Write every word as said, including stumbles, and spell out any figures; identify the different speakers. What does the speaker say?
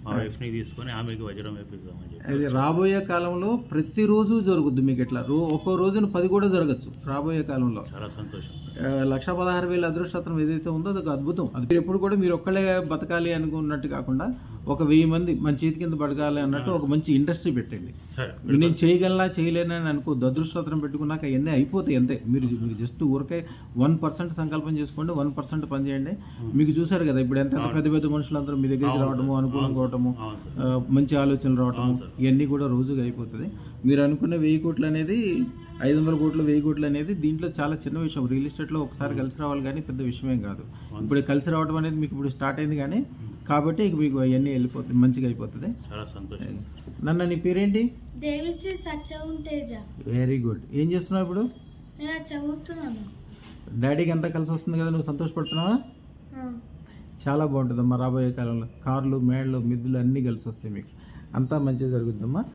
Speaker 1: మా వైఫ్ని తీసుకొని ఆమెకి వజ్రం వేపిద్దామని చెప్పి.
Speaker 2: అది రాబోయే కాలంలో ప్రతిరోజు జరుగుద్ది మీకు ఇట్లా రో ఒక్కో రోజున పది కూడా జరగచ్చు రాబోయే కాలంలో.
Speaker 1: చాలా సంతోషం.
Speaker 2: లక్ష పదహారు వేల అదృష్టం ఏదైతే ఉందో అదొక అద్భుతం. అది ఎప్పుడు కూడా మీరు ఒక్కళ్ళే బతకాలి అనుకున్నట్టు కాకుండా ఒక వెయ్యి మంది మన చేతి కింద బతకాలి అన్నట్టు ఒక మంచి ఇండస్ట్రీ పెట్టండి. నేను చేయగలనా చేయలేనని అనుకోద్దు. అదృష్టం పెట్టుకున్నాక అవన్నీ అయిపోతాయి అంతే. మీరు మీరు జస్ట్ ఊరికే వన్ పర్సెంట్ సంకల్పం చేసుకోండి, వన్ పర్సెంట్ పని చేయండి. మీకు చూసారు కదా ఇప్పుడు ఎంత పెద్ద పెద్ద మనుషులందరూ మీ దగ్గరికి రావడము, అనుకూలంగా రావటము, మంచి ఆలోచనలు రావటము, ఇవన్నీ కూడా రోజుగా అయిపోతుంది. మీరు అనుకున్న వెయ్యి కోట్లు అనేది ఐదు వందల కోట్లు వెయ్యి కోట్లు అనేది దీంట్లో చాలా చిన్న విషయం. రియల్ ఎస్టేట్లో ఒకసారి కలిసి రావాలి కానీ పెద్ద విషయమేం కాదు. ఇప్పుడు కలిసి రావడం అనేది మీకు ఇప్పుడు స్టార్ట్ అయింది కానీ కాబట్టి ఇక మీకు అవన్నీ వెళ్ళిపోతుంది, మంచిగా అయిపోతుంది.
Speaker 1: చాలా సంతోషం.
Speaker 2: నన్ను నీ పేరేంటి?
Speaker 3: దేవిశ్రీ సత్యం తేజ.
Speaker 2: Very good. ఏం చేస్తున్నావు ఇప్పుడు?
Speaker 3: చదువుతున్నాను.
Speaker 2: డాడీకి అంతా కలిసి వస్తుంది కదా, నువ్వు సంతోషపడుతున్నావా? చాలా బాగుంటుందమ్మా రాబోయే కాలంలో. కార్లు, మేళ్ళు, మిద్దులు అన్నీ కలిసి వస్తాయి మీకు. అంతా మంచిగా జరుగుతుందమ్మా.